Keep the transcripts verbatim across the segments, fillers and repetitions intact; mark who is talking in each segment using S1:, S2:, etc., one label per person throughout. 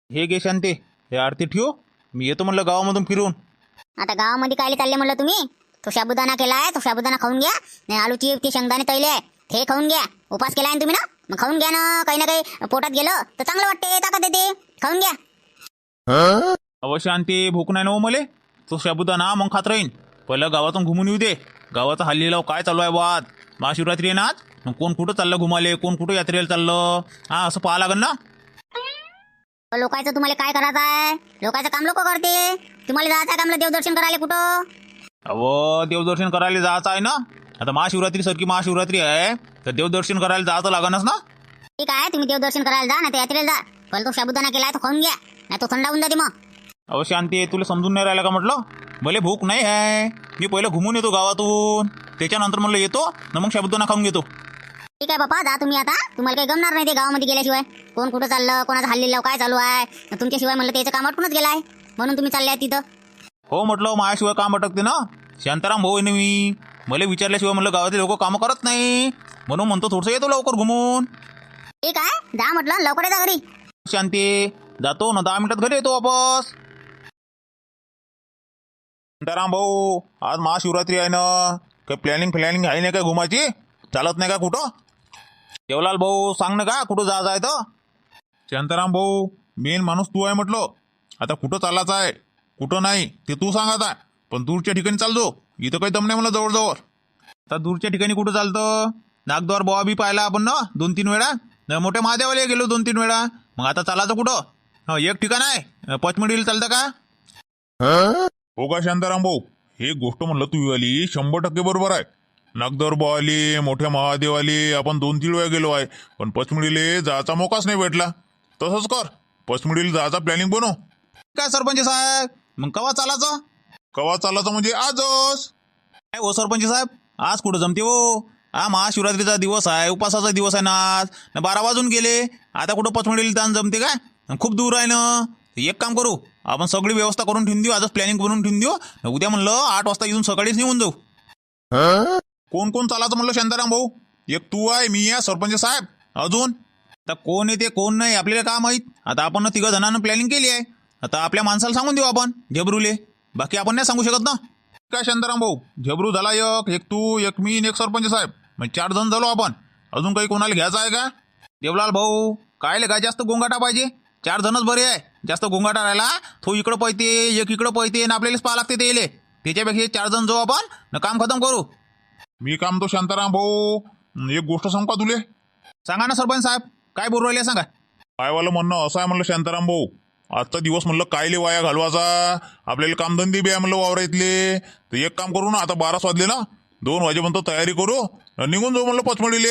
S1: हे घे शांती, हे आरती ठेव. मी येतो म्हणलं गावामधून फिरून.
S2: आता गावामध्ये कायले चालले म्हणलं तुम्ही? तो साबुदाणा केलाय, तो साबुदाणा खाऊन घ्या. नाही आलूची ते शेंगदाणे तळले आहे ते खाऊन घ्या. उपास केलाय ना तुम्ही ना, मग खाऊन घ्या ना. काही ना काही पोटात गेलं तर चांगलं वाटते, ताकद येते. खाऊन घ्या.
S1: अव शांती, भूक नाही ना हो मले. तो साबुदाणा मग खात राहीन. पहिलं गावातून घुमून येऊ दे. गावाचा हल्लीला काय चालू आहे वाद. महाशिवरात्री आहे ना आज. मग कोण कुठं चाललं घुमाले, कोण कुठं यात्रेला चाललं, हा असं पाहा लागेल ना.
S2: लोकांचं तुम्हाला काय करायचं आहे? लोकांचं काम लोक करते. तुम्हाला जायचं आहे का म्हणलं देवदर्शन करायला कुठं?
S1: अहो देवदर्शन करायला जायचं आहे ना. आता महाशिवरात्री सारखी महाशिवरात्री आहे तर देवदर्शन करायला जायचं लागणच ना.
S2: ठीक आहे, तुम्ही देवदर्शन करायला जा, नाही तर यात्रेला जा. पण तो साबुदाणा केलाय तो खाऊन घ्या, नाही तो थंड होऊन जाते मग.
S1: अहो शांती, तुला समजून नाही राहिलं का म्हटलं. भले भूक नाही आहे, मी पहिलं घुमून येतो गावातून, त्याच्यानंतर म्हणलं येतो ना मग साबुदाणा खाऊन घेतो.
S2: ठीक आहे बापा, जा तुम्ही आता. तुम्हाला काही गमणार नाही ते गावामध्ये गेल्याशिवाय. कोण कुठं चाललं, कोणाचं हल्लीला काय चालू आहे, तुमच्याशिवाय म्हणलं त्याचं काम अटकूनच गेलाय, म्हणून तुम्ही चालले आहे तिथं.
S1: हो म्हटलं, माझ्याशिवाय काम अटकते ना. शांताराम भाऊ आहे ना मी. मला विचारल्याशिवाय म्हणलं गावातले लोक कामं करत नाही, म्हणून म्हणतो थोडंसं येतो लवकर घुमून.
S2: ठीक आहे, जा म्हटलं, लवकर येता घरी.
S1: शांती, जातो ना दहा मिनिटात घरी येतो वापस. शांताराम भाऊ, आज महाशिवरात्री आहे ना, काही प्लॅनिंग फ्लॅनिंग आहे नाही का घुमायची? चालत नाही का कुठं? देवलाल भाऊ, सांग ना का कुठं जायचं आहे तर. शांताराम भाऊ, मेन माणूस तू आहे म्हटलं. आता कुठं चालायचं आहे कुठं नाही ते तू सांग आता. पण दूरच्या ठिकाणी चालतो, इथं काही दम नाही मला जवळजवळ. आता दूरच्या ठिकाणी कुठं चालतं? नागद्वार बोवा बी पाहिला आपण ना दोन तीन वेळा. न मोठ्या महादेवाला गेलो दोन तीन वेळा. मग आता चालायचं कुठं? हा एक ठिकाण आहे, पचमडीला चालतं का?
S3: हो का शांताराम भाऊ, हे गोष्ट म्हणलं तू आली शंभर टक्के बरोबर आहे. नागदर आले, मोठ्या महादेव आले, आपण दोन तीन वेळा गेलो आहे, पण पचमडीले जायचा मोकाच नाही भेटला. तसंच कर, पचमडीला जायचा प्लॅनिंग बनव.
S1: काय सरपंच साहेब, मग कवा चालायचं?
S3: कवा चालायचं म्हणजे आजच.
S1: काय हो सरपंच साहेब, आज कुठं जमते हो? हा महाशिवरात्रीचा दिवस आहे, उपासाचा दिवस आहे ना आज. न बारा वाजून गेले, आता कुठं पचमडीला ताण जमते काय? खूप दूर आहे ना. एक काम करू, आपण सगळी व्यवस्था करून ठेवून देऊ, आजच प्लॅनिंग बनवून ठेवून देऊ. उद्या म्हणलं आठ वाजता इथून सकाळीच निघून जाऊ.
S3: कोण कोण चालायचं म्हणलं शांताराम भाऊ? एक तू आहे, मी आहे, सरपंच साहेब, अजून
S1: आता कोण येते कोण नाही आपल्याला काय माहित. आता आपण तिघं जणांना प्लॅनिंग केली आहे. आता आपल्या माणसाला सांगून देऊ आपण, झेबरूले. बाकी आपण नाही सांगू शकत ना.
S3: काय शांताराम भाऊ, झेबरू झाला एक, एक तू, एक मी, एक सरपंच साहेब, म्हणजे चार जण झालो आपण. अजून काही कोणाला घ्यायचं आहे का?
S1: देवलाल भाऊ, काय काय जास्त गोंगाटा पाहिजे? चार जणच बरे आहे. जास्त गोंगाटा राहिला तो इकडं पळते, एक इकडं पळते, ना आपल्यालाच पाहा लागते ते. त्याच्यापेक्षा चार जण जाऊ आपण ना, काम खतम करू.
S3: मी काम तो शांताराम भाऊ, एक गोष्ट सांगू का तुले?
S1: सांगा ना सरपंच साहेब, काय बोलू राहिले सांगा.
S3: कायवालं म्हणणं असं आहे म्हणलं शांताराम भाऊ, आजचा दिवस म्हणलं कायले वाया घालवायचा. आपल्याला कामधंदे बी आहे म्हणलं वावर इथले. तर एक काम करू ना, आता बाराच वाजले ना, दोन वाजेपर्यंत तयारी करू, निघून जाऊ म्हणलं पचमडीले.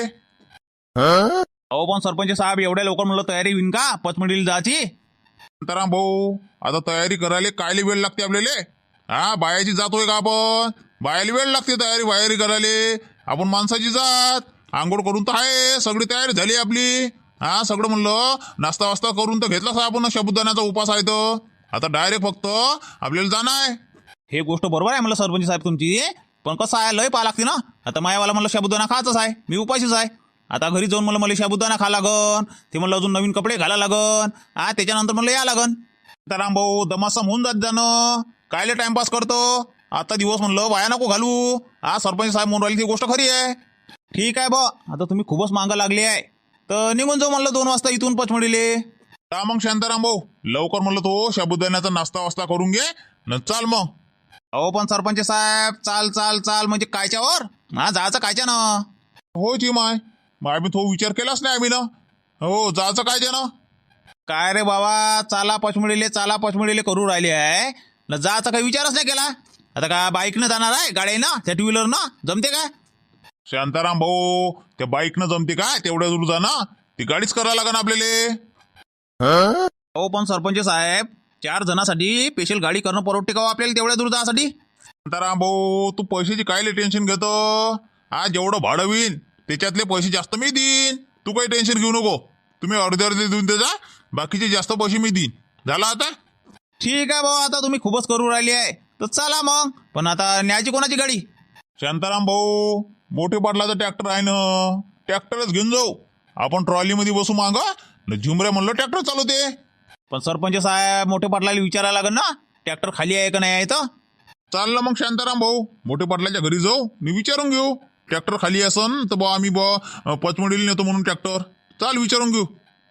S1: अहो पण सरपंच साहेब, एवढ्या लवकर म्हणलं तयारी होईन का पचमडीला जायची?
S3: शांताराम भाऊ, आता तयारी करायला कायले वेळ लागते आपल्याला? हा, बायाची जातोय का आपण? बायाला वेळ लागते तयारी वायरी करायला. आपण माणसाची जात, आंघोळ करून तर आहे, सगळी तयारी झाली आपली. हा, सगळं म्हणलं नाश्ता वास्ता करून तर घेतलाच आपण, साबुदाण्याचा उपास आहे तर. आता डायरेक्ट फक्त आपल्याला जाणं आहे.
S1: हे गोष्ट बरोबर आहे म्हणलं सरपंच साहेब तुमची, पण कसं आहे, लय पाहा लागते ना. आता मायावाला म्हणलं साबुदाणा खायचंच आहे, मी उपाशीच आहे. आता घरी जाऊन म्हणलं मला साबुदाणा खा लागन, ते म्हणलं अजून नवीन कपडे घाला लागन, हा त्याच्यानंतर म्हणलं या लागन.
S3: शांताराम भाऊ, दमासम होऊन जात जाणं, कायले टाइमपास करतो. आता दिवस म्हणलं वाया नको घालू. हा, सरपंच साहेब म्हणून राहिली ती गोष्ट खरी आहे.
S1: ठीक आहे बा, आता तुम्ही खूपच मागं लागले आहे, तर निघून जाऊ म्हणलं दोन वाजता इथून पचमडीले.
S3: का मग शांताराम भाऊ, लवकर म्हणलं तो साबुदाण्याचा नाश्ता वास्ता करून घे न चाल मग.
S1: अहो पण सरपंच साहेब, चाल चाल चाल म्हणजे कायच्यावर? हा, जायचं कायच्या ना.
S3: हो जी माय, माय मी तो विचार केलाच नाही आम्ही ना. हो, जायचं काय जे ना.
S1: काय रे बाबा, चाला पचमडीले चाला पचमडीले करू राहिले आहे ना, जायचा काही विचारच नाही केला. आता का बाईकनं जाणार आहे, गाड्यानं, त्या टू व्हीलरनं जमते काय?
S3: शांताराम भाऊ, त्या बाईकनं जमते काय तेवढ्या दूर जा ना? ती गाडीच करायला लागेल आपल्याला.
S1: हो पण सरपंच साहेब, चार जणांसाठी स्पेशल गाडी करणं परवडते का हो आपल्याला तेवढ्या दूर जाण्यासाठी?
S3: शांताराम भाऊ, तू पैशाची कायले टेन्शन घेतो? हा, जेवढं भाडं होईन त्याच्यातले पैसे जास्त मी देईन, तू काही टेन्शन घेऊ नको. तुम्ही अर्धे अर्धे देऊन देजा, बाकीचे जास्त पैसे मी देईन. झालं आता?
S1: ठीक आहे भाऊ, आता तुम्ही खूपच करू राहिली आहे तर चला मग. पण आता न्यायची कोणाची गाडी?
S3: शांताराम भाऊ, मोठे पाटलाचा ट्रॅक्टर आहे ना, ट्रॅक्टरच घेऊन जाऊ आपण. ट्रॉलीमध्ये बसू मागं, झुमऱ्या म्हणलं ट्रॅक्टर चालवते.
S1: पण सरपंच साहेब मोठे पाटलाला विचारायला लागेल ना ट्रॅक्टर खाली आहे का नाही आहे तर.
S3: चाललं मग शांताराम भाऊ, मोठे पाटलाच्या घरी जाऊ मी विचारून घेऊ. ट्रॅक्टर खाली असन तर बा आम्ही बा पचमडीला नेतो म्हणून ट्रॅक्टर. चाल विचारून घेऊ.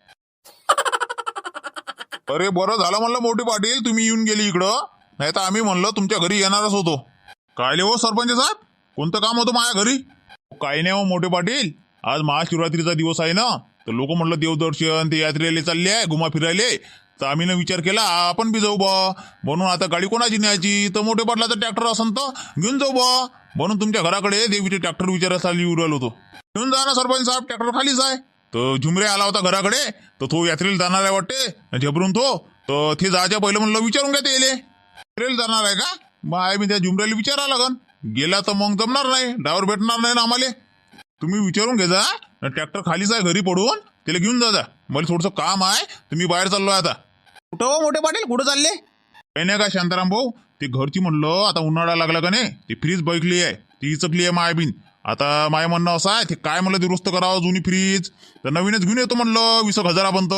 S3: अरे बरं झालं म्हणलं मोठे पाटील तुम्ही येऊन गेली इकडं, नाही तर आम्ही म्हणलं तुमच्या घरी येणारच होतो. काय हो सरपंच साहेब, कोणतं काम होतं माझ्या घरी? काही नाही हो मोठे पाटील, आज महाशिवरात्रीचा दिवस आहे ना, तर लोक म्हणलं देवदर्शन ते यात्रेला चालले आहे घुमा फिरायले, तर आम्ही विचार केला आपण बी जाऊ बा. म्हणून आता गाडी कोणाची न्यायची, तर मोठे पाटलाचा ट्रॅक्टर असन तर घेऊन जाऊ बा. म्हणून तुमच्या घराकडे देवीचे ट्रॅक्टर विचारायला येऊ राहिलो होतो. घेऊन जा ना सरपंच साहेब, ट्रॅक्टर खालीच आहे. तर झुमरे आला होता घराकडे, तर तो यात्रेला जाणार आहे वाटते झबरून तो, तर ते जायच्या पहिलं म्हणलं विचारून घ्या ते येले यात्रेला जाणार आहे का. मग आहे मी त्या झुमऱ्याला विचारा लागन, गेला तर मग जमणार नाही, ड्रायव्हर भेटणार नाही ना आम्हाला. तुम्ही विचारून घे जा, ट्रॅक्टर खालीच आहे घरी पडून, त्याला घेऊन जा जा. मला थोडंसं काम आहे तर मी बाहेर चाललोय आता.
S1: कुठं हो मोठे पाटील, कुठं चालले?
S3: काही नाही का शांताराम भाऊ, ते घरची म्हणलं आता उन्हाळा लागला का नाही, ती फ्रीज बैकली आहे, ती चकली आहे मायबीन. आता माय म्हणणं असं आहे, ते काय म्हणलं दुरुस्त करावं जुनी फ्रीज, तर नवीनच घेऊन येतो म्हणलं वीस एक हजारापर्यंत.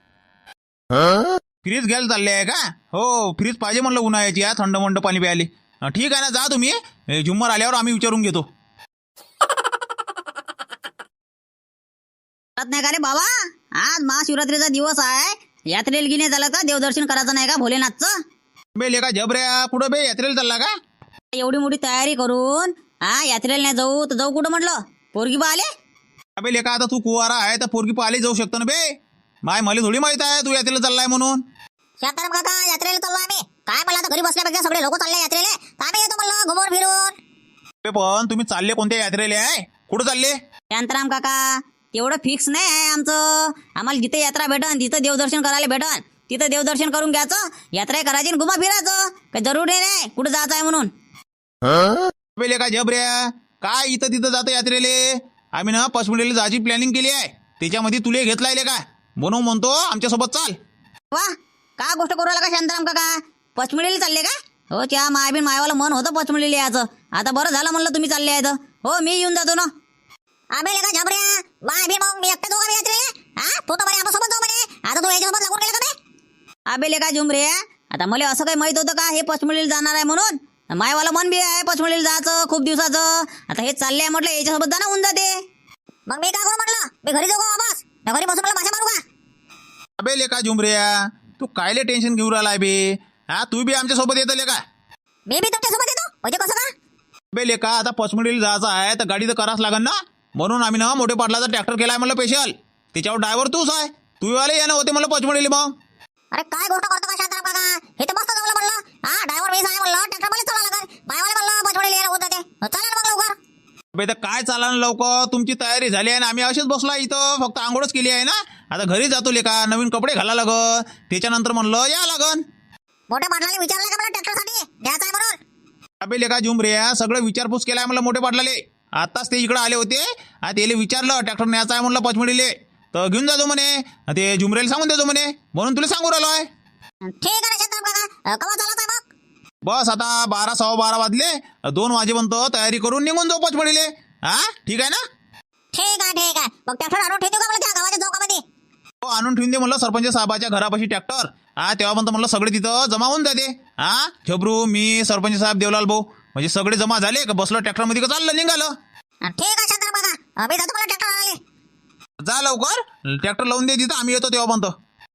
S1: फ्रीज घ्यायला चालले आहे का? हो फ्रीज पाहिजे म्हणलं उन्हाळ्याची, या थंड मंड पाणी प्यायले. हा, ठीक आहे ना, जा तुम्ही, हे झुम्मर आल्यावर आम्ही विचारून घेतो.
S2: कळत नाही का रे बाबा, आज महाशिवरात्रीचा दिवस आहे, यात्रेला गिने झालं का, देवदर्शन करायचं नाही का भोलेनाथचं?
S1: बे लेका जबऱ्या, कुठं बे यात्रेला चालला का?
S2: एवढी मोठी तयारी करून हा यात्रेला नाही जाऊ तर जाऊ कुठं म्हटलं? पोरगी बा आले.
S1: अबे लेका आता तू कुवारा आहे तर पोरगी पाहिली जाऊ शकतो ना बे. माय मला थोडी माहित आहे तू यात्रेला चाललाय म्हणून.
S2: शांताराम काका यात्रेला चाललो आम्ही, काय मला आता घरी बसल्यापेक्षा सगळे लोक चालले यात्रेला, तर आम्ही येतो म्हणलं घुमून फिरून.
S1: बे पण तुम्ही चालले कोणत्या यात्रेला आहे, कुठं चालले?
S2: शांताराम काका तेवढं फिक्स नाही आहे आमचं, आम्हाला जिथे यात्रा भेटन तिथं देवदर्शन करायला भेटन, तिथं देवदर्शन करून घ्यायचं, यात्रा करायची आणि घुमा फिरायचं, काही जरुरी नाही कुठं जायचं आहे म्हणून.
S1: बे लेका जबऱ्या, काय इथं तिथं जातं यात्रेले? आम्ही ना पचमडीला जायची प्लॅनिंग केली आहे, त्याच्यामध्ये तुले घेतलाय लेका, म्हणून म्हणतो आमच्यासोबत चाल.
S2: वा का गोष्ट करू का शांताराम काका, पचमडीला चालले का? हो त्या मायबीन मायवाला मन होतं पचमडीला यायचं, आता बरं झालं म्हणलं तुम्ही चालले आहेत. हो मी येऊन जातो ना. आबे लेका झबऱ्या, मायबीन मग मी एकटा जाऊ का यात्रेला? हा तू तर म्हणे आमच्यासोबत जाऊ म्हणे, आता तू याच्यासोबत लागून गेला का बे? आबे लेका झुमरे, आता मला असं काही माहित होतं का हे पचमडीला जाणार आहे म्हणून? मायवाला मन बी आहे पचमडीला जायचं खूप दिवसाचं, आता हे चालले आहे म्हटलं याच्यासोबत जाणं होऊन जाते. मग मी काय करू म्हटलं, मी घरी जाऊ का वापस, घरी बसून मला भाषा मारू का?
S1: अबे लेका झुमऱ्या, तू कायले टेन्शन घेऊन राहिलाय बे? हा तू बी आमच्या सोबत येतो लेका.
S2: मी बी तुमच्यासोबत येतो म्हणजे कसं का?
S1: बे लेका आता पचमडीला जायचं आहे तर गाडी तर करावंच लागेल ना, म्हणून आम्ही ना मोठे पाटलाचा ट्रॅक्टर केलाय म्हणलं स्पेशल, त्याच्यावर ड्रायव्हर तूच आहे, तू आले या ना होते मला पचमडीला. मग
S2: अरे काय गोष्ट करतो का शांताराम काका, हे तर मस्त जमलं म्हणलं. हा ड्रायव्हर मीच आहे म्हणलं, ट्रॅक्टर मला चालवा लागेल, बायवाले म्हणलं पचमडीला यायला होत जाते, चला ना मग लवकर.
S1: बे तर काय चाला ना लवकर, तुमची तयारी झाली आहे ना, आम्ही असेच बसलो आहे इथं, फक्त आंघोळच केली आहे ना, आता घरी जातो लेका, नवीन कपडे घाला लागन, त्याच्यानंतर म्हणलं या लागन.
S2: मोठ्या पाटलाने विचारलं का मला ट्रॅक्टरसाठी द्यायचं आहे म्हणून?
S1: अबे लेका झुमऱ्या, सगळं विचारपूस केलाय म्हणलं मोठे पाटलाले, आताच ते इकडे आले होते, त्याला विचारलं ट्रॅक्टर न्यायचा आहे म्हणलं पचमडीले, तर घेऊन जातो म्हणे, ते झुमरेला सांगून देतो म्हणे, म्हणून तुला सांगू राहिलो आहे.
S2: ठीक आहे ना शांताराम काका, केव्हा चालत आहे मग?
S1: बस आता बारा सव्वा बारा वाजले, दोन वाजेपर्यंत तयारी करून निघून जाऊ पचमडीले. हा ठीक आहे ना?
S2: ठीक आहे ठीक आहे, मग ट्रॅक्टर आणून ठेवतो का मला त्या गावाच्या चौकामध्ये?
S1: हो आणून ठेवून दे म्हणलं सरपंच साहेबाच्या घरापाशी ट्रॅक्टर, हा तेव्हापर्यंत म्हणलं सगळे तिथं जमा होऊन जाते. हा झबरू मी सरपंच साहेब देवलाल भाऊ म्हणजे सगळे जमा झाले का, बसलं ट्रॅक्टरमध्ये का चाललं निघालं.
S2: ठीक आहे शांताराम काका, मी जातो मला ट्रॅक्टर आणायला.
S1: जा लवकर, ट्रॅक्टर लावून दे तिथं, आम्ही येतो तेव्हापर्यंत.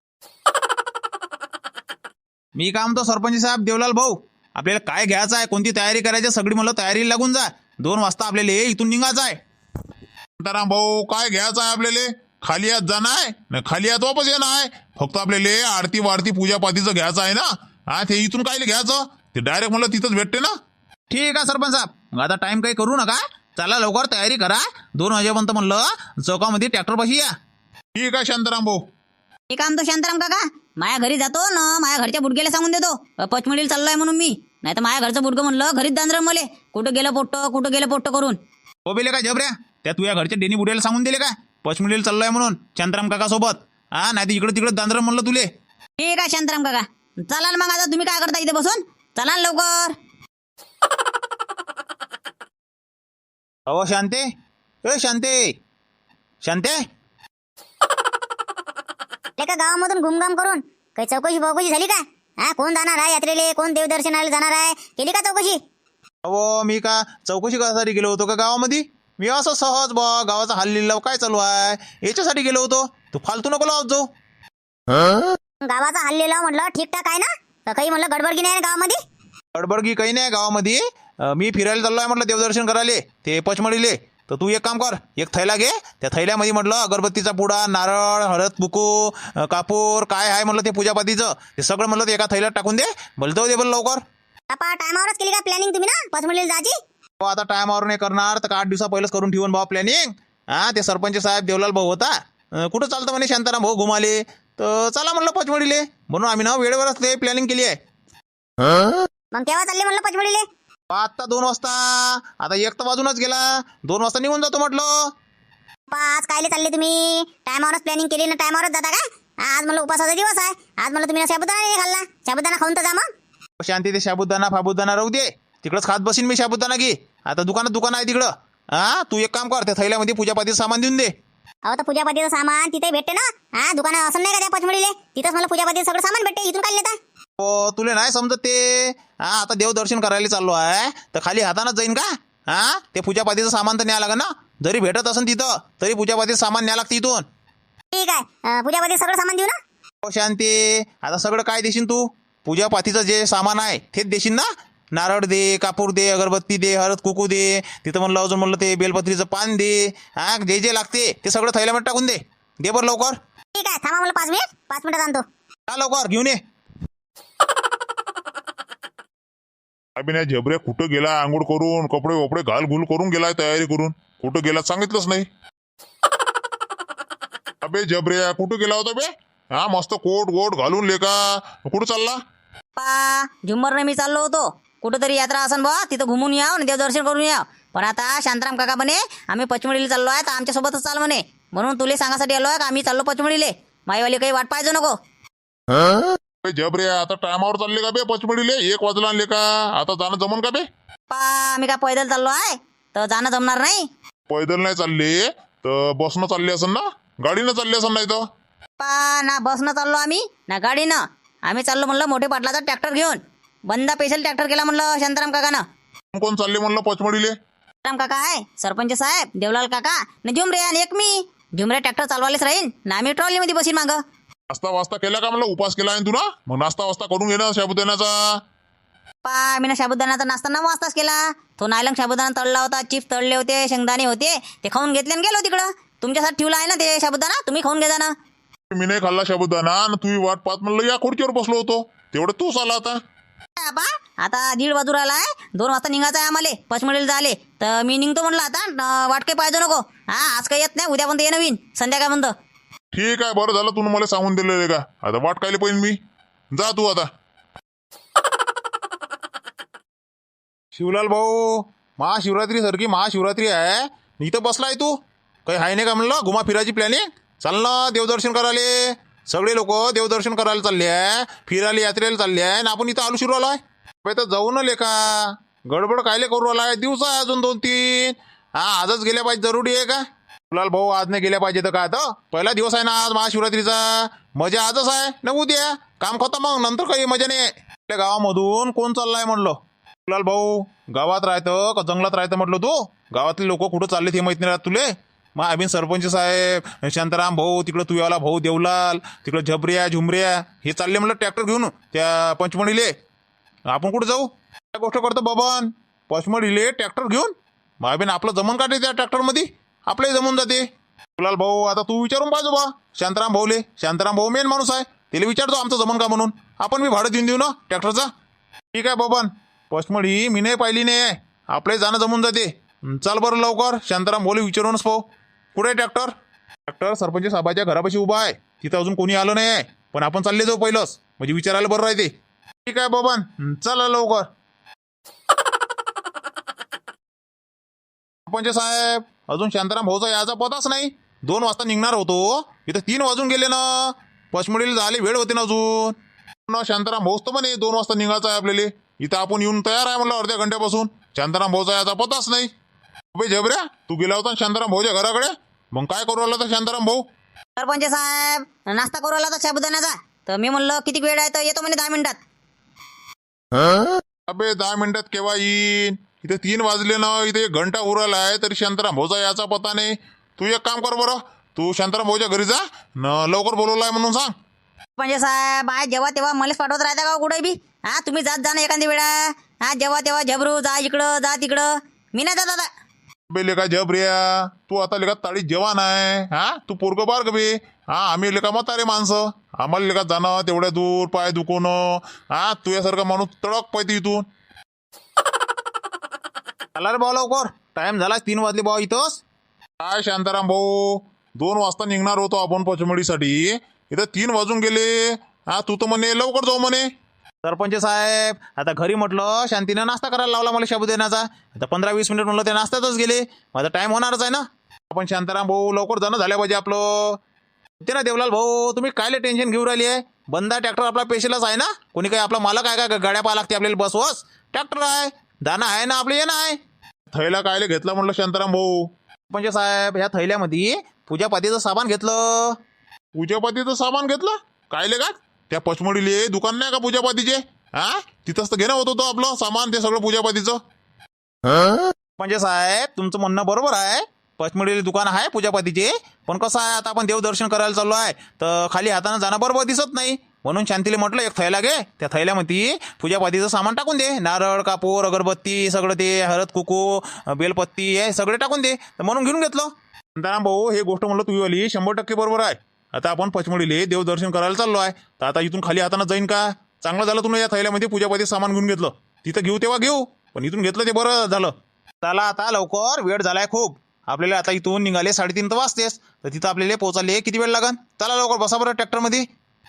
S1: मी काय म्हणतो सरपंच साहेब देवलाल भाऊ, आपल्याला काय घ्यायचं आहे, कोणती तयारी करायची, सगळी म्हणलं तयारी लागून जा, दोन वाजता आपल्याला इथून निघायचं आहे.
S3: शांताराम भाऊ काय घ्यायचं आहे आपल्याला, खाली हात जाणं आहे ना, खाली हात वापस येणं आहे, फक्त आपल्याला आरती वारती पूजापातीचं घ्यायचं आहे ना. हा ते इथून काय घ्यायचं, ते डायरेक्ट म्हणलं तिथंच भेटते ना.
S1: ठीक आहे सरपंच साहेब, मग आता टाइम काही करू नका, चला लवकर तयारी करा, दोन वाजेपर्यंत म्हणलं चौकामध्ये ट्रॅक्टर पाशी या.
S3: ठीक आहे शांताराम भाऊ.
S2: हे काम तो शांताराम काका, माझ्या घरी जातो ना, माझ्या घरच्या बुडग्याला सांगून देतो पचमडीला चाललोय म्हणून मी, नाही तर माझ्या घरचं बुडगं म्हणलं घरीच दांद्र मले, कुठं गेलं पोट्ट कुठं गेलं पोट्ट करून.
S1: हो बेले का जबऱ्या, त्या तुझ्या घरच्या डेनी बुड्याला सांगून दिले का पचमडीला चाललोय म्हणून शांताराम काका सोबत? हा नाही तर इकडे तिकडे दांद्र म्हणलं तुले.
S2: ठीक आहे शांताराम काका, चला ना मग, आता तुम्ही काय करता इथे बसून, चला ना लवकर.
S1: अहो शांते, ए शांते, शांते,
S2: एका गावामधून घुमघाम करून काही चौकशी बौकशी झाली का? हा, कोण जाणार आहे यात्रेले, कोण देवदर्शनाला जाणार आहे, केली का चौकशी?
S1: अहो मी का चौकशी करायसाठी गेलो होतो का गावामध्ये? मी असं सहज बा गावाचा हाल लिहिला काय चालू आहे याच्यासाठी गेलो होतो. तू फालतू नको लावत जाऊ.
S2: गावाचा हल्लेला म्हटलं ठीकठाक आहे ना? तर काही म्हणलं गडबडगी नाही ना गावामध्ये?
S1: गडबडगी काही नाही गावामध्ये. अं, मी फिरायला चाललो आहे म्हटलं देवदर्शन करायला ते पचमढीले. तर तू एक काम कर, एक थैला घे. त्या थैल्यामध्ये म्हटलं अगरबत्तीचा पुडा, नारळ, हळद, बुकू, अं, कापूर काय आहे म्हटलं ते पूजापातीचं ते सगळं म्हटलं ते एका थैल्यात टाकून दे. बोलतो दे बरं लवकर.
S2: बापा टायमावरच केली का प्लॅनिंग तुम्ही ना पचमढीला जायची?
S1: हो, आता टायमावर नाही करणार तर आठ दिवसा पहिलेच करून ठेवून भाऊ प्लॅनिंग. हा, ते सरपंच साहेब देवलाल भाऊ होता. अं, कुठं चालतं म्हणे शांताराम भाऊ घुमाले. तर चला म्हणलं पचमढीले, म्हणून आम्ही ना वेळेवरच ते प्लॅनिंग केली आहे.
S2: मग केव्हा चालले म्हणलं पचमढीले?
S1: आता दोन वाजता. आता एक तर वाजूनच गेला, दोन वाजता निघून जातो म्हटलं.
S2: बाप्पा, आज कायले चालले तुम्ही? टायमावरच प्लॅनिंग केली ना टायमावरच जाता का? आज मला उपवासाचा दिवस आहे. आज मला तुम्ही ना साबुदाणा नाही खाल्ला. साबुदाणा खाऊन तर जा मग.
S1: शांती ते साबुदाणा फाबुदाणा राहू दे, तिकडंच खात बसीन मी साबुदाणा घे. आता दुकानात दुकान आहे तिकडं. हा, तू एक काम कर, त्या थैल्यामध्ये पूजापातीचं सामान देऊन दे.
S2: अहो तर पूजापातीचं सामान तिथे भेटते ना. हा, दुकानात असं नाही का त्या पचमढीले? तिथंच मला पूजापातीचं सगळं सामान भेटते. इथून काय नेता?
S1: हो, तुला नाही समजत ते. हा, आता देवदर्शन करायला चाललो आहे तर खाली हातानंच जाईन का? हा, ते पूजापातीचं सामान तर न्याय लागेल ना. जरी भेटत असेल तिथं तरी पूजापातीचं सामान न्याय लागतं इथून.
S2: ठीक आहे, अं, पूजापातीचं सगळं सामान देऊ ना?
S1: हो शांती, आता सगळं काय देशील तू? पूजापातीचं जे सामान आहे तेच देशील ना. नारळ दे, कापूर दे, अगरबत्ती दे, हळद कुकू दे, तिथं म्हणलं अजून म्हणलं ते बेलपत्रीचं पान दे. हा, जे जे लागते ते सगळं थैल्यामध्ये टाकून दे. दे बरं लवकर.
S2: ठीक आहे, थांबा मला पाच मिनिट पाच मिनिटात आणतो.
S1: हा, लवकर घेऊन ये.
S3: अबे नाही झबऱ्या कुठं गेला आंघोळ करून कपडे वपडे घाल घुल करून गेलाय तयारी करून. कुठं गेला सांगितलंच नाही. अबे झबऱ्या कुठं गेला होता बे? हा, मस्त कोट गोट घालून लेका कुठं चालला?
S4: पा झुम्मरने मी चाललो होतो कुठंतरी यात्रा असन बा तिथं घुमून याव आणि देवदर्शन करून याव. पण आता शांताराम काका म्हणे आम्ही पचमढीला चाललो आहे तर आमच्यासोबतच चाल म्हणे. म्हणून तुले सांगासाठी आलो आहे का आम्ही चाललो पचमढीले. माईवाली काही वाट पाहिजे नको.
S3: अबे झबऱ्या आता टायमावर चालले का बे पचमढीले? एक वाजला आणले का? आता जाणं जमन का बे?
S4: पा आम्ही का पैदल चाललो आहे तर जाणं जमणार नाही.
S3: पैदल नाही चालले तर बसनं चालले असन ना, गाडीनं चालले असन नाही तर.
S4: पा ना बसनं चाललो आम्ही ना गाडीनं. आम्ही चाललो म्हणलं मोठे पाटलाचा ट्रॅक्टर घेऊन. बंदा स्पेशल ट्रॅक्टर केला म्हणलं शांताराम काकानं.
S3: कोण कोण चालले म्हणलं पचमढीले?
S4: शांताराम काका आहे, सरपंच साहेब, देवलाल काका न झुमरे आणि एक मी. झुमरे ट्रॅक्टर चालवायलाच राहीन ना आम्ही ट्रॉलीमध्ये बसीन मागं.
S3: नाश्ता वास्ता केला का म्हणलं? उपास केला आहे तू ना, मग नाश्ता वास्ता करून घे ना साबुदाण्याचा.
S4: पा मी ना साबुदाण्याचा नाश्ता नऊ वाजताच केला. तो नायलंग साबुदाणा तळला होता, चिप्स तळले होते, शेंगदाणे होते, ते खाऊन घेतले आणि गेलो तिकडं. तुमच्यासाठी ठेवला आहे ना ते साबुदाणा, तुम्ही खाऊन घ्या ना.
S3: मी नाही खाल्ला साबुदाणा आणि तू वाट पाहत म्हणलं या खुर्चीवर बसलो होतो तेवढं तूच आला आता.
S4: बा आता दीड वाजू राहिला आहे, दोन वाजता निघायचं आहे आम्हाला पचमढीला झाले. तर मी निघतो म्हणलं आता. न- वाट काही पाहिजे नको. हा, आज काही येत नाही, उद्यापर्यंत ये नवीन संध्याकाळपर्यंत.
S3: ठीक आहे, बरं झालं तू मला सांगून दिलं रे का. आता वाट कायले पाहिजे मी. जा तू आता.
S1: शिवलाल भाऊ, महाशिवरात्री सारखी महाशिवरात्री आहे, इथं बसलाय तू. काही आहे नाही का म्हणलं घुमा फिरायची प्लॅनिंग? चाल ना देवदर्शन करायला. सगळे लोक देवदर्शन करायला चालले आहे, फिरायला यात्रेला चालले आहे आणि आपण इथं आलू शिरू आलोय. तर जाऊ न लेका, गडबड कायले करू आलाय? दिवस आहे अजून दोन तीन. हा, आजच गेल्या पाहिजे जरुरी आहे का? शिवलाल भाऊ, आज नाही गेल्या पाहिजे तर काय? आता पहिला दिवस आहे ना आज महाशिवरात्रीचा. मजा आजच आहे ना, उद्या काम खतम, मग नंतर काही मजा नाही. आपल्या गावामधून कोण चाललाय म्हणलं? शिवलाल भाऊ, गावात राहतं का जंगलात राहतं म्हटलं तू? गावातले लोक कुठं चालले ते माहित नाही राहत तुले? मग अभिन सरपंच साहेब, शांताराम भाऊ, तिकडं तुयाला भाऊ देवलाल, तिकडं झबऱ्या झुमऱ्या हे चालले म्हणलं ट्रॅक्टर घेऊन त्या पंचमढीले. आपण कुठं जाऊ? काय गोष्ट करतो बबन? पंचमढीले ट्रॅक्टर घेऊन? मग अभिन आपलं जमून काढते त्या ट्रॅक्टरमध्ये, आपलंही जमून जाते. शिवलाल भाऊ, आता तू विचारून पाहिजे बा शांताराम भाऊले. शांताराम भाऊ मेन माणूस आहे, त्याला विचारतो आमचं जमन का म्हणून. आपण मी भाडं देऊन देऊ ना ट्रॅक्टरचा. ठीक आहे बबन, पंचमढी मी नाही पाहिली नाही, आपलंही जाणं जमून जाते. चाल बरं लवकर, शांताराम भाऊले विचारूनच पाहू कुठे आहे ट्रॅक्टर. ट्रॅक्टर सरपंच साहेबाच्या घरापाशी उभा आहे, तिथं अजून कोणी आलं नाही आहे. पण आपण चालले जाऊ पहिलंच, म्हणजे विचारायला बरं राहते. ठीक आहे बबन, चला लवकर. सरपंच साहेब, अजून शांताराम भाऊचा याचा पताच नाही. दोन वाजता निघणार होतो, इथं तीन वाजून गेले ना. पचमढीला झाले वेळ होते ना अजून ना. शांताराम भाऊच तर म्हणे दोन वाजता निघायचं आहे आपल्याला. इथं आपण येऊन तयार आहे म्हणलं अर्ध्या घंट्यापासून. शांताराम भाऊचा याचा पताच नाही. अबे झबऱ्या, तू गेला होता शांताराम भाऊच्या घराकडे, मग काय करू आला तर शांताराम भाऊ?
S4: सरपंच साहेब, नाश्ता करू आला तर साबुदाण्याचा. तर मी म्हणलं किती वेळ आहे तर येतो म्हणे दहा मिनिटात.
S3: अबे दहा मिनिटात केव्हा येईन? इथे तीन वाजले ना, इथे एक घंटा उराला आहे तरी शांताराम भाऊचा याचा पत्ता नाही. तू एक काम कर बरं, तू शांताराम भाऊच्या घरी जा न, लवकर बोलवलाय म्हणून सांग.
S4: म्हणजे साहेब आहे जेव्हा तेव्हा मलाच पाठवत राहता का कुठे बी? हा तुम्ही जात जा ना एखादी वेळा. हा जेव्हा तेव्हा झबरू जा इकडं जा तिकडं, मी नाही जात आता.
S3: बे लेका जबरिया, तू आता लेका ताळी जेवण आहे. हा तू पोरग बार बे. हा आम्ही लेका म्हातारे माणसं, आम्हाला लेका जाणं तेवढ्या दूर, पाय दुखवणं. हा तुझ्यासारखा माणूस तडक पाहिजे इथून.
S1: चला रे भाऊ लवकर, टाइम झाला तीन वाजले भाऊ इथंच.
S3: काय शांताराम भाऊ, दोन वाजता निघणार होतो आपण पचमडीसाठी, इथं तीन वाजून गेले. हा तू तर म्हणे लवकर जाऊ म्हणे.
S1: सरपंच साहेब आता घरी म्हटलं शांतीनं नाश्ता करायला लावला मला साबुदाण्याचा. आता पंधरा वीस मिनिट म्हणलं ते नाश्त्यातच गेले. माझा टाइम होणारच आहे ना. आपण शांताराम भाऊ लवकर जाणं झाल्या पाहिजे आपलं. ते ना देवलाल भाऊ, तुम्ही कायले टेन्शन घेऊन राहिली आहे? बंदा ट्रॅक्टर आपला पेशलच आहे ना. कोणी काही आपला मालक आहे का गाड्या पाहा लागते आपल्याला बसवस? ट्रॅक्टर आहे, दाना आहे ना, आपलं येणं आहे.
S3: थैला कायले घेतला म्हणलं शांताराम भाऊ?
S1: सरपंच साहेब ह्या थैल्यामध्ये पूजापातीचं सामान घेतलं.
S3: पूजापातीचं सामान घेतलं? कायले का? त्या पचमडीले दुकान नाही का पूजापातीचे? हा तिथंच तर घेणं होत होतं आपलं सामान, ते सगळं पूजापातीचं.
S1: म्हणजे साहेब तुमचं म्हणणं बरोबर आहे, पचमडीले दुकान आहे पूजापातीचे. पण कसं आहे आता आपण देवदर्शन करायला चाललो आहे तर खाली हातानं जाणं बरोबर दिसत नाही. म्हणून शांतीले म्हटलं एक थैला घे, त्या थैल्यामध्ये पूजापातीचं सामान टाकून दे. नारळ कापूर अगरबत्ती सगळं ते हळद कुकू बेलपत्ती हे सगळे टाकून दे. तर म्हणून घेऊन घेतलं.
S3: शांताराम भाऊ हे गोष्ट म्हणलं तुझी वाली शंभर टक्के बरोबर आहे. आता आपण पचमडीले देवदर्शन करायला चाललो आहे तर आता इथून खाली हातानं जाईन का? चांगलं झालं तुम्ही या थैल्यामध्ये पूजापाती सामान घेऊन घेतलं. तिथं घेऊ तेव्हा घेऊ, पण इथून घेतलं ते बरं झालं.
S1: चला आता लवकर, वेळ झालाय खूप. आपल्याला आता इथून निघाले साडेतीन तर वाजतेस, तर तिथं आपल्याला पोचायला किती वेळ लागन? चला लवकर बसा बरं ट्रॅक्टरमध्ये.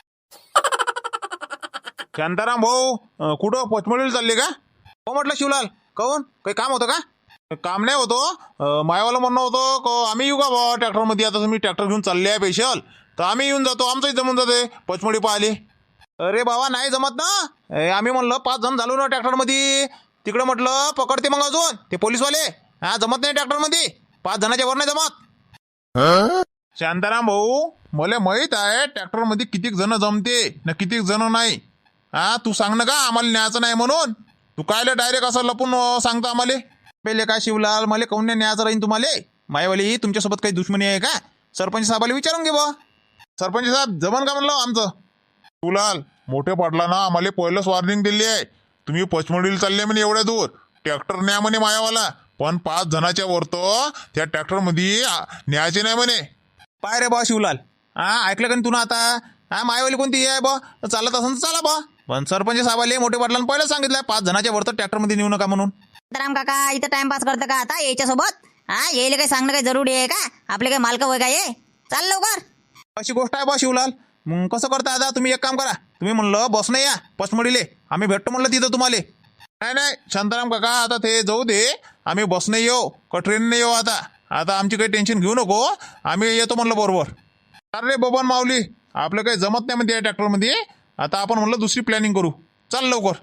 S3: शांताराम भाऊ अं, कुठं पचमडीला चालले का?
S1: हो म्हटलं शिवलाल, काहून काही काम होतं का?
S3: काम नाही होतो, मायावाला म्हणणं होतं का आम्ही येऊ का बा ट्रॅक्टरमध्ये? आता तुम्ही ट्रॅक्टर घेऊन चालले आहे स्पेशल, तर आम्ही येऊन जातो, आमचंही जमून जाते पचमडी पाहिले.
S1: अरे बाबा नाही जमत ना. ए, आम्ही म्हणलं पाच जण झालो ना ट्रॅक्टरमध्ये. तिकडं म्हटलं पकडते मग अजून ते पोलीसवाले. हा जमत नाही ट्रॅक्टरमध्ये, पाच जणाच्या वर नाही जमत.
S3: शांताराम भाऊ मला माहित आहे ट्रॅक्टरमध्ये कितीक जण जमते ना कितीक जण नाही. हा तू सांग ना का आम्हाला न्यायचं नाही म्हणून? तू कायले डायरेक्ट असं लपून अं, सांगता आम्हाला?
S1: पहिले काय शिवलाल, मला काहून नाही न्यायचं राहीन तुम्हाला? मायवाली तुमच्यासोबत काही दुश्मनी आहे का? सरपंच साहेबाला विचारून घे बा.
S3: सरपंच साहेब जमन का म्हणलं आमचं? तुलाल मोठे पाटला ना आम्हाला पहिलंच वॉर्निंग दिली आहे, तुम्ही पचमडीला चालले म्हणे एवढ्या दूर, ट्रॅक्टर न्या म्हणे मायावाला, पण पाच जणाच्या वर तो त्या ट्रॅक्टरमध्ये आ, न्यायचे नाही म्हणे.
S1: पाय रे बा शिवलाल, हा ऐकलं का तू ना आता? हा मायवाली कोणती आहे बा? चालत असेल तर चला बा. पण सरपंच साहेबाले मोठे पाटलांना पहिलं सांगितलं पाच जणाच्या वर तर ट्रॅक्टरमध्ये नेऊ नका म्हणून.
S4: राम काका इथं टाइमपास करतं का आता याच्यासोबत? हा यायला काही सांगणं काही जरुरी आहे का? आपले काही मालक होय का ये? चाल लवकर.
S1: अशी गोष्ट आहे बा शिवलाल. मग कसं करता आता? तुम्ही एक काम करा, तुम्ही म्हणलं बस नाही या पचमडीले, आम्ही भेटतो म्हणलं तिथं तुम्हाला.
S3: नाही नाही शांताराम काका आता ते जाऊ दे, आम्ही बसने येऊ का ट्रेनने येऊ? आता आता आमची काही टेन्शन घेऊ नको, आम्ही येतो म्हणलं बरोबर. अरे बबन माऊली आपलं काही जमत नाही म्हणते या ट्रॅक्टरमध्ये, आता आपण म्हणलं दुसरी प्लॅनिंग करू, चल लवकर.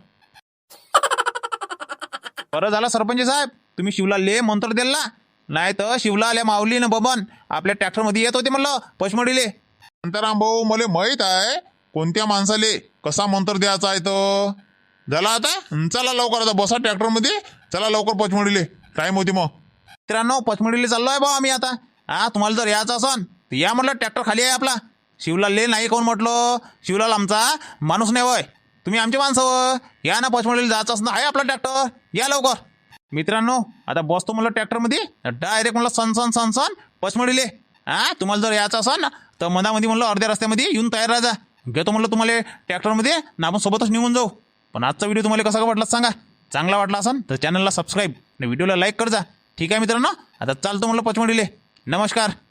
S1: बरं झालं सरपंच साहेब तुम्ही शिवलालले मंत्र दिला, नाही तर शिवलाल या माऊली ना बबन आपल्या ट्रॅक्टरमध्ये येत होते म्हणलं पचमडीले.
S3: शांताराम भाऊ मला माहित आहे कोणत्या माणसाले कसा मंत्र द्यायचा आहे तो. झाला आता चला लवकर, आता बसा ट्रॅक्टरमध्ये, चला लवकर पचमडीले, टाइम होती मग.
S1: मित्रांनो पचमडीले चाललो आहे बा आम्ही आता. हा तुम्हाला जर यायचं असन तर या म्हटलं, ट्रॅक्टर खाली आहे आपला. शिवलालले नाही कोण म्हटलं? शिवलाल आमचा माणूस नाही वय, तुम्ही आमचे माणसं वय. या ना पचमडीला जायचं असं आहे आपला ट्रॅक्टर, या लवकर. मित्रांनो आता बसतो म्हणलं ट्रॅक्टरमध्ये, डायरेक्ट म्हणलं सन सन सन सन पचमडीले. हा तुम्हाला जर यायचं असन ना तर मधामध्ये म्हणलं अर्ध्या रस्त्यामध्ये येऊन तयार राहा. घेतो म्हणलं तुम्हाला ट्रॅक्टरमध्ये ना, आपण सोबतच निघून जाऊ. पण आजचा व्हिडिओ तुम्हाला कसा वाटला सांगा. चांगला वाटला असन तर चॅनलला सबस्क्राईब आणि व्हिडिओला लाईक कर जा. ठीक आहे मित्रांनो, आता चालतो म्हणलं पचमडीले. नमस्कार.